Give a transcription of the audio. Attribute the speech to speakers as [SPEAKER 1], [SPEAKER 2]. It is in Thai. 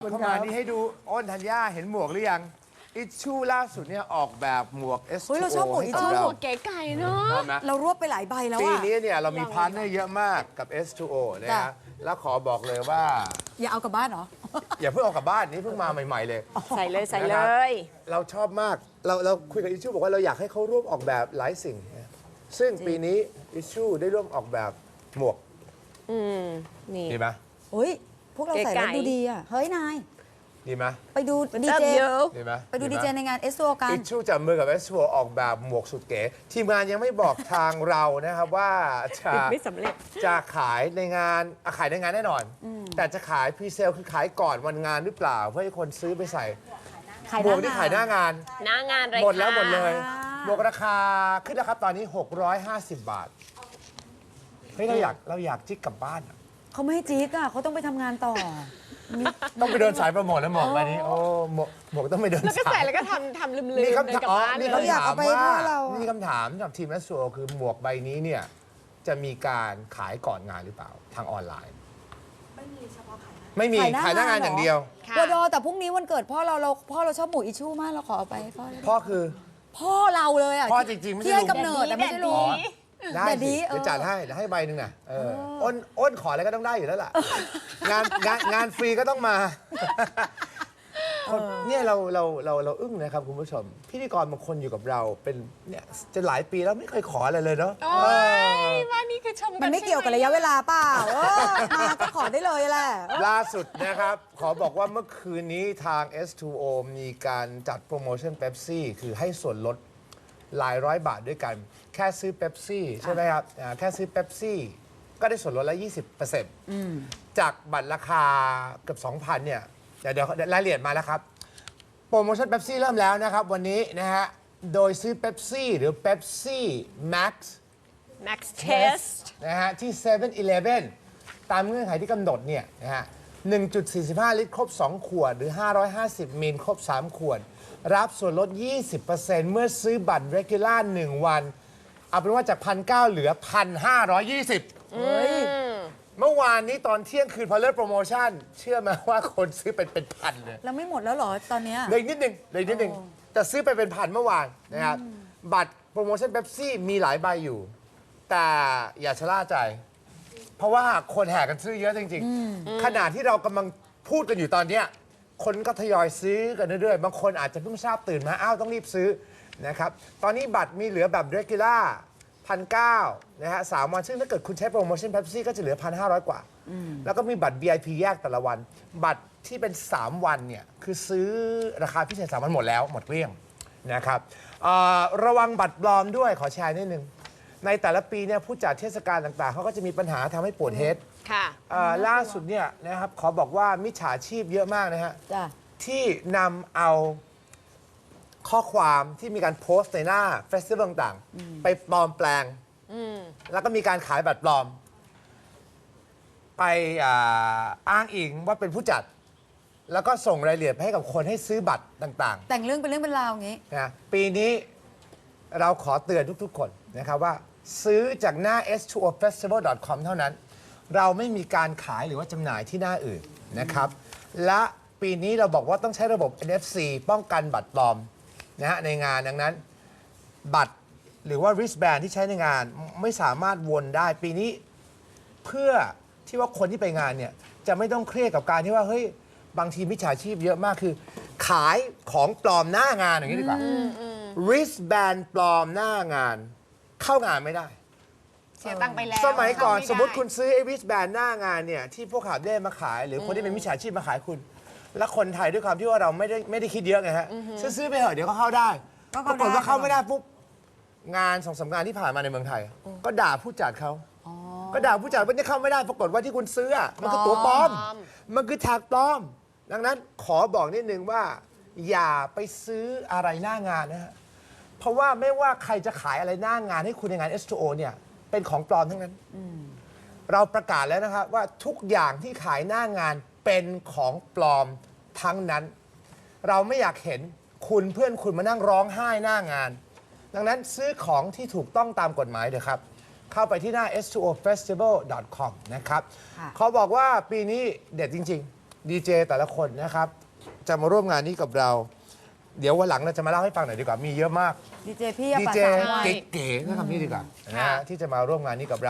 [SPEAKER 1] เข้ามานี่ให้ดูอ้นธัญญาเห็นหมวกหรือยังอิชชูล่าสุดเนี่ยออกแบบหมวก S2O
[SPEAKER 2] เฮ้ยเราชอบหมวก
[SPEAKER 1] ให้
[SPEAKER 2] H2O
[SPEAKER 1] กับเรา
[SPEAKER 3] หมวกเก๋ไก่เนาะ
[SPEAKER 1] ชอบไหม
[SPEAKER 2] เรารวบไปหลายใบแล้ว
[SPEAKER 1] ปี
[SPEAKER 2] อะ
[SPEAKER 1] นี้เนี่ยเรามีพาร์ทเนอร์เยอะมากกับ S2O นะ
[SPEAKER 2] จ้ะ
[SPEAKER 1] ฮะแล้วขอบอกเลยว่า
[SPEAKER 2] อย่าเอากลับบ้านเหรอ
[SPEAKER 1] อย่าเพิ่งเอากลับบ้านนี่เพิ่งมาใหม่ๆเลย
[SPEAKER 3] ใส่เลยใส่เล
[SPEAKER 1] นะครับ
[SPEAKER 3] ย
[SPEAKER 1] เราชอบมากเราคุยกับอิชชูบอกว่าเราอยากให้เขาร่วมออกแบบหลายสิ่งนะซึ่งปีนี้อิชชูได้ร่วมออกแบบหมวก
[SPEAKER 3] นี่
[SPEAKER 1] ดีไหม
[SPEAKER 2] เฮ้ย พวกเราใส่แล้ว
[SPEAKER 3] เก๋ไก่
[SPEAKER 2] ดูดีอะเฮ้ยนาย
[SPEAKER 1] ดีไหม
[SPEAKER 2] ไปดูดี
[SPEAKER 3] เติม
[SPEAKER 2] เจ
[SPEAKER 3] เยอะ
[SPEAKER 1] ดีไหม
[SPEAKER 2] ไปดูดีเจในงานเอสโซกัน
[SPEAKER 1] อิชชูจับมือกับ S2O ออกแบบหมวกสุดเก๋ทีมงานยังไม่บอกทางเรานะครับว่าจะ
[SPEAKER 3] ไม่สำเร็จ
[SPEAKER 1] จะขายในงานขายในงานแน่นอน แต่จะขายพรีเซลคือขายก่อนวันงานหรือเปล่า เพื่อให้คนซื้อไปใส่หมวกที่ขายหน้างาน
[SPEAKER 3] หน้างานเลย
[SPEAKER 1] หมดแล้วหมดเลย
[SPEAKER 2] ค่ะ
[SPEAKER 1] หมวกราคาขึ้นแล้วครับตอนนี้ 650 บาทเฮ้ยเราอยากจิ๊กกลับบ้านอะ
[SPEAKER 2] เขาไม่ให้จี๊กอะเขาต้องไปทำงานต่อ
[SPEAKER 1] ต้องไปเดินสายโปรโมทแล้วหมวกใบนี้โอ้หมวกต้องไปเดิน
[SPEAKER 3] แล้วก็
[SPEAKER 1] สา
[SPEAKER 3] ใส่
[SPEAKER 1] ย
[SPEAKER 3] แล้วก็ทำลืมๆ
[SPEAKER 1] มี
[SPEAKER 3] เดิน
[SPEAKER 1] คำ
[SPEAKER 3] ก
[SPEAKER 1] ถา
[SPEAKER 3] ลั
[SPEAKER 1] ม
[SPEAKER 3] บบ้าน
[SPEAKER 1] มี
[SPEAKER 3] เลย
[SPEAKER 1] คำ
[SPEAKER 2] อยาก
[SPEAKER 1] ถาม
[SPEAKER 2] เอาไป
[SPEAKER 1] ว่า
[SPEAKER 2] ให้เราอะ
[SPEAKER 1] มีคำถามสำหรับทีม S2O คือหมวกใบนี้เนี่ยจะมีการขายก่อนงานหรือเปล่าทางออนไลน์ ไม่มีขายหน้างานอย่างเดียว
[SPEAKER 3] ค่ะ
[SPEAKER 2] วดอแต่พรุ่งนี้วันเกิดพ่อเราชอบหมูอิชชูมากเราขอเอาไปให้พ่อเลย
[SPEAKER 1] พ่อคือ
[SPEAKER 2] พ่อเราเลยอะ
[SPEAKER 1] พ่อจริงๆไม่ใช่
[SPEAKER 2] ที่ให้
[SPEAKER 1] ลุง
[SPEAKER 2] กำเนิดแต่ไม่ใช่ลุง
[SPEAKER 1] ได้
[SPEAKER 2] แต่ดี
[SPEAKER 1] สิเดี๋ยวจัดให้เดี๋ยวให้ใบหนึ่งน่ะอ้นขออะไรก็ต้องได้อยู่แล้วล่ะ งานฟรีก็ต้องมาเนี่ยเราอึ้งนะครับคุณผู้ชม พิธีกรบางคนอยู่กับเราเป็นเนี่ยจะหลายปีแล้วไม่เคยขออะไรเลยเนาะ
[SPEAKER 3] โอ้ยว่านี่คือชม
[SPEAKER 2] มันไม่เกี่ยวกับระยะเวลาเปล่ามาก็ขอได้เลยแหละ
[SPEAKER 1] ล่าสุดนะครับ ขอบอกว่าเมื่อคืนนี้ทาง S2O มีการจัดโปรโมชั่นเ e ปซี่คือให้ส่วนลดหลายร้อยบาทด้วยกัน แค่ซื้อเ e ปซี่ใช่ไหมครับแค่ซื้อเ e ปซี่ก็ได้ส่วนลดละ 20%จากบัตรราคาเกือบ 2,000 เนี่ย เดี๋ยวรายละเอียดมาแล้วครับ โปรโมชั่นเ e ปซี่เริ่มแล้วนะครับ วันนี้นะฮะ โดยซื้อเ e ปซี่หรือ Pepsi Max
[SPEAKER 3] Max Test
[SPEAKER 1] นะฮะที่7-Eleven ตามเงื่อนไขที่กำหนดเนี่ยนะฮะ 1.45 ลิตรครบ 2 ขวด หรือ 550 มิลครบ 3 ขวด รับส่วนลด 20% เมื่อซื้อบัตร regular 1 วัน เอาเป็นว่าจาก 1,900 เหลือ 1,520
[SPEAKER 2] เฮ้ย
[SPEAKER 1] เมื่อวานนี้ตอนเที่ยงคืนพอเลิกโปรโมชั่น เชื่อไหมว่าคนซื้อเป็นพันเลย
[SPEAKER 2] แล้วไม่หมดแล้วเหรอตอนเนี้ย
[SPEAKER 1] เหลยนิดนึงแต่ซื้อไปเป็นพันเมื่อวานนะครับ บัตรโปรโมชั่นเ e ปซี่มีหลายใบอยู่ แต่อย่าชะล่าใจ เพราะว่าคนแห่กันซื้อเยอะจริงๆ ขณะที่เรากำลังพูดกันอยู่ตอนเนี้ยคนก็ทยอยซื้อกันเรื่อยๆ บางคนอาจจะเพิ่งทราบตื่นมาอ้าวต้องรีบซื้อนะครับ ตอนนี้บัตรมีเหลือแบบ regular 1,900 นะฮะ3 วันซึ่งถ้าเกิดคุณใช้โปรโมชั่นเ e ปซี่ก็จะเหลือ 1,500 กว่า แล้วก็มีบัตร VIP แยกแต่ละวัน บัตรที่เป็น 3 วันเนี่ยคือซื้อราคาพิเศษ 3 วันหมดแล้วหมดเกลี้ยงนะครับระวังบัตรปลอมด้วยขอแชร์นิดนึง ในแต่ละปีเนี่ยผู้จัดเทศกาลต่างๆ เขาก็จะมีปัญหาทำให้ปวดเฮด
[SPEAKER 3] ค่ะ
[SPEAKER 1] ล่าสุดเนี่ยนะครับขอบอกว่ามิจฉาชีพเยอะมากนะฮะ
[SPEAKER 2] จ้ะ
[SPEAKER 1] ที่นำเอาข้อความที่มีการโพสต์ในหน้าเฟสติวัลต่างๆ ไปปลอมแปลง แล้วก็มีการขายบัตรปลอม ไปอ้างอิงว่าเป็นผู้จัด แล้วก็ส่งรายละเอียดไปให้กับคนให้ซื้อบัตรต่างๆ
[SPEAKER 2] แต่งเรื่องเป็นเรื่องเป็นราวอย่างงี้
[SPEAKER 1] นะปีนี้เราขอเตือนทุกๆ คนนะครับว่าซื้อจากหน้า s2ofestival.com เท่านั้น เราไม่มีการขายหรือว่าจำหน่ายที่หน้าอื่นนะครับ และปีนี้เราบอกว่าต้องใช้ระบบ NFC ป้องกันบัตรปลอมนะฮะในงานดังนั้น บัตรหรือว่า wristband ที่ใช้ในงานไม่สามารถวนได้ ปีนี้เพื่อที่ว่าคนที่ไปงานเนี่ยจะไม่ต้องเครียดกับการที่ว่าเฮ้ยบางทีมิจฉาชีพเยอะมากคือ ขายของปลอมหน้างานอย่างนี้ดีกว่า wristband ปลอมหน้างาน เข้างานไม่ได้
[SPEAKER 3] เสียตังค์ไปแล้ว
[SPEAKER 1] สมัยก่อน
[SPEAKER 3] เข้าไได้
[SPEAKER 1] สมมติคุณซื้อไอ้ wristband หน้างานเนี่ยที่พวกขาบเล่มาขาย หรือคนที่เป็นมิจฉาชีพมาขายคุณ แล้วคนไทยด้วยความที่ว่าเราไม่ได้คิดเยอะไงฮะซื้อไปเถอะเดี๋ยวก็เข้าได้
[SPEAKER 2] ก็
[SPEAKER 1] ป
[SPEAKER 2] เข้าร
[SPEAKER 1] ากฏว่า
[SPEAKER 2] ได้
[SPEAKER 1] เข้าไม่ได้ปุ๊บงาน2-3 งานที่ผ่านมาในเมืองไทย ก็ด่าผู้จัดเขาก็ด่าผู้จัดว่านี่เข้าไม่ได้ปรากฏว่าที่คุณซื้ออะมันคือตั๋วปลอม มันคือแท็กปลอม ดังนั้นขอบอกนิดนึงว่า อย่าไปซื้ออะไรหน้างานนะฮะ เพราะว่าไม่ว่าใครจะขายอะไรหน้างานให้คุณในงาน S2O เนี่ยเป็นของปลอมทั้งนั้น เราประกาศแล้วนะครับว่าทุกอย่างที่ขายหน้างานเป็นของปลอมทั้งนั้น เราไม่อยากเห็นคุณเพื่อนคุณมานั่งร้องไห้หน้างาน ดังนั้นซื้อของที่ถูกต้องตามกฎหมายเถอะครับ เข้าไปที่หน้า s2ofestival.com นะครับ
[SPEAKER 2] ค่ะ
[SPEAKER 1] เขาบอกว่าปีนี้เด็ดจริงดีเจแต่ละคนนะครับ จะมาร่วมงานนี้กับเรา เดี๋ยววันหลังเราจะมาเล่าให้ฟังหน่อยดีกว่า มีเยอะมาก
[SPEAKER 2] ดีเจพี่อะ
[SPEAKER 1] ดี
[SPEAKER 2] ป่ะ
[SPEAKER 1] เจ
[SPEAKER 2] สามวัน
[SPEAKER 1] เก๋ๆนะครับนี่ดีกว่านะฮะที่จะมาร่วมงานนี้กับเรา